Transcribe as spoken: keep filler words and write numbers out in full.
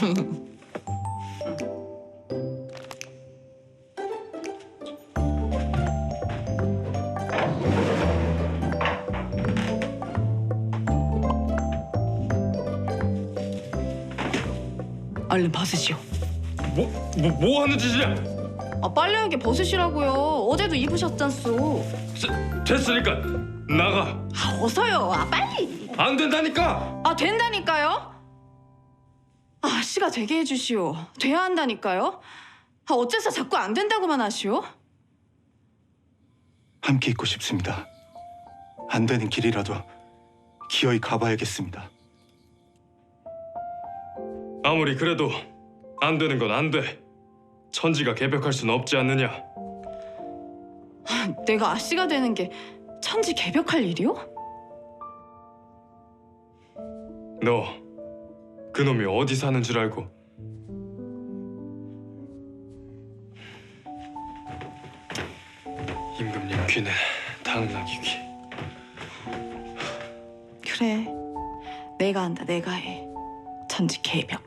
얼른 벗으시오. 뭐, 뭐, 뭐 하는 짓이야? 아, 빨래하게 벗으시라고요. 어제도 입으셨잖소. 됐으니까 나가. 아, 어서요. 아, 빨리. 안 된다니까. 아, 된다니까요? 아, 씨가 되게 해주시오. 돼야 한다니까요? 아, 어째서 자꾸 안 된다고만 하시오? 함께 있고 싶습니다. 안 되는 길이라도 기어이 가봐야겠습니다. 아무리 그래도 안 되는 건 안 돼. 천지가 개벽할 수는 없지 않느냐. 내가 아씨가 되는 게 천지 개벽할 일이오? 너 그놈이 어디 사는 줄 알고. 임금님 귀는 당나귀 귀. 그래. 내가 한다. 내가 해. 천지 개벽.